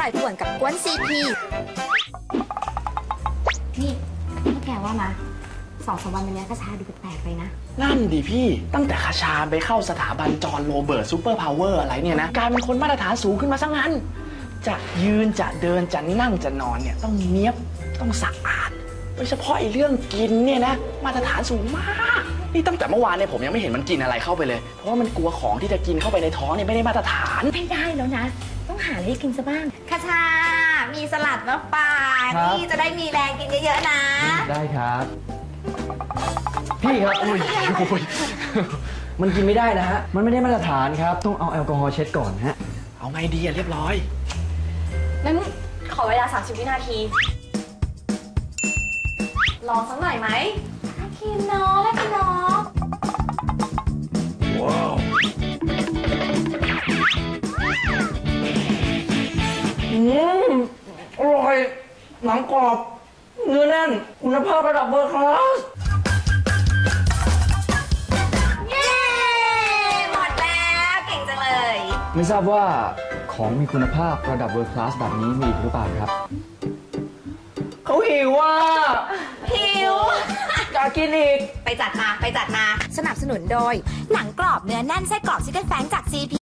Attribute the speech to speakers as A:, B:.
A: ร่อยป่วนกับกวนซีพีนี่แกว่ามา2-3 วันนี้คชาดูแปลกๆไปนะ
B: นั่นดิพี่ตั้งแต่คชาไปเข้าสถาบันจอห์นโรเบิร์ตซูเปอร์พาวเวอร์อะไรเนี่ยนะกลายเป็นคนมาตรฐานสูงขึ้นมาซะงั้นจะยืนจะเดินจะนั่งจะนอนเนี่ยต้องเนี๊ยบต้องสะอาดโดยเฉพาะไอ้เรื่องกินเนี่ยนะมาตรฐานสูงมากนี่ตั้งแต่เมื่อวานเนี่ยผมยังไม่เห็นมันกินอะไรเข้าไปเลยเพราะว่ามันกลัวของที่จะกินเข้าไปในท้องเนี่ยไม่ได้มาตรฐาน
A: ไม่ได้แล้วนะต้องหาอะไรให้กินซะบ้างคชามีสลัดมาฝากนี่จะได้มีแรงกินเยอะๆนะ
C: ได้ครับพี่ครับอุ้ยมันกินไม่ได้นะฮะมันไม่ได้มาตรฐานครับต้องเอาแอลกอฮอล์เช็ดก่อนฮะ
B: เอาไงดีอะเรียบร้อย
A: งั้นขอเวลา30 วินาทีรอสักหน่อยไหมน่ากินเนาะน่ากินเนาะ
B: ว้าว
C: อร่อยหนังกรอบเนื้อแน่นคุณภาพระดับเบอร์คลาส
A: เย้หมดแล้วเก่งจังเลย
C: ไม่ทราบว่าของมีคุณภาพระดับเบอร์คลาสแบบนี้มีอีกหรือเปล่าครับเขาหิวอ่ะ
A: หิว
C: อยากกินอีก
A: ไปจัดมาสนับสนุนโดยหนังกรอบเนื้อแน่นไส้กรอบชิคเก้นแฟงจากซีพี